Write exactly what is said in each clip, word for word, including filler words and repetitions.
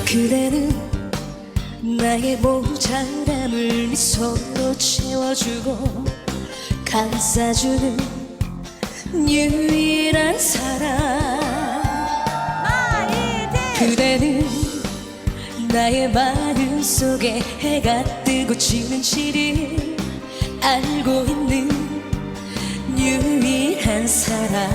그대는 나의 모자람을 미소로 채워주고 감싸주는 유일한 사람. 그대는 나의 마음 속에 해가 뜨고 지는 시를 알고 있는 유일한 사람.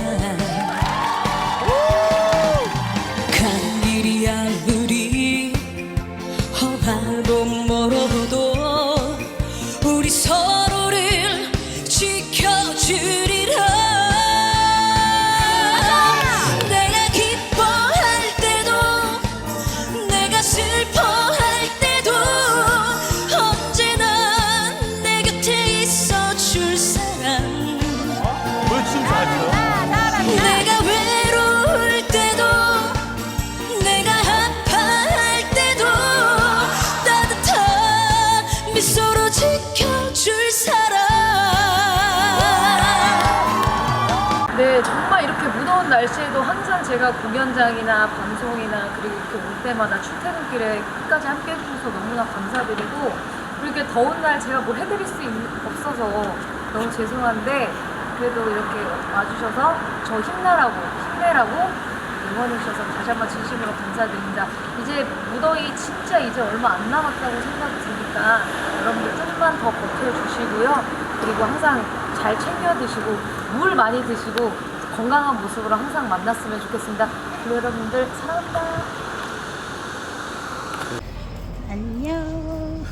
가는 길이 아무리 험하고 멀어도 우리 서로를 지켜주리라. 내가 기뻐할 때도 내가 슬퍼할 때도 언제나 내 곁에 있어줄 사람. 뭘 춤 잘 춰? 내가 외로울 때도 내가 아파할 때도 따뜻한 미소로 지켜줄 사람. 네, 정말 이렇게 무더운 날씨에도 항상 제가 공연장이나 방송이나 그리고 이렇게 올 때마다 출퇴근길에 끝까지 함께 해주셔서 너무나 감사드리고, 그리고 이렇게 더운 날 제가 뭘 해드릴 수 있, 없어서 너무 죄송한데 그래도 이렇게 와주셔서 저 힘내라고 힘내라고 응원해주셔서 다시 한번 진심으로 감사드립니다. 이제 무더위 진짜 이제 얼마 안 남았다고 생각이 드니까 여러분들 조금만 더 버텨주시고요. 그리고 항상 잘 챙겨 드시고 물 많이 드시고 건강한 모습으로 항상 만났으면 좋겠습니다. 그리고 여러분들 사랑합니다. 안녕.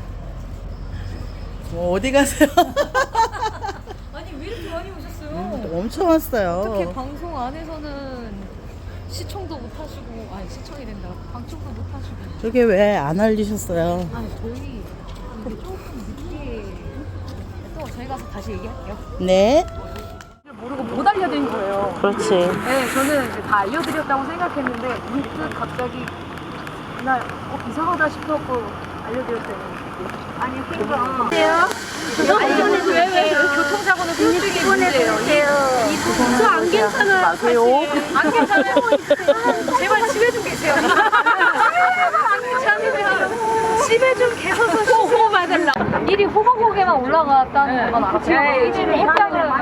뭐 어디 가세요? 아니 왜 이렇게 많이 오셨어요? 음, 엄청 왔어요. 어떻게 방송 안에서는 시청도 못 하시고, 아니 시청이 된다. 방청도 못 하시고. 저게 왜 안 알리셨어요? 아니 저희 근데 조금 늦게 또 저희 가서 다시 얘기할게요. 네. 모르고 못 알려드린 거예요. 그렇지. 네, 저는 이제 다 알려드렸다고 생각했는데 문득 갑자기 그날 어, 이상하다 싶어갖고 알려드렸어요. 아니 그러니까 알려드리고 왜왜 교통사고는 솔직히 문제예요. 저 안 괜찮아요. 마세요. 안 괜찮아요. 제발 집에 좀 계세요. 안 괜찮으면 집에 좀 계셔서 호흡 받을라. 일이 호박고개만 올라갔다는 것만 알았어요. 일을 했다는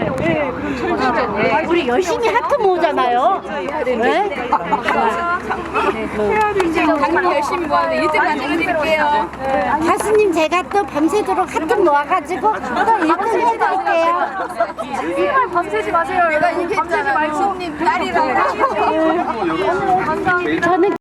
네. 우리 열심히 하트 모으잖아요. 네? 정말 열심히 모았는데 일 등 만들어드릴게요. 가수님 제가 또 밤새도록 하트 모아가지고 또 일 등 해드릴게요. 정말 밤새지 마세요. 내가 밤새지 말고 딸이라고. 저는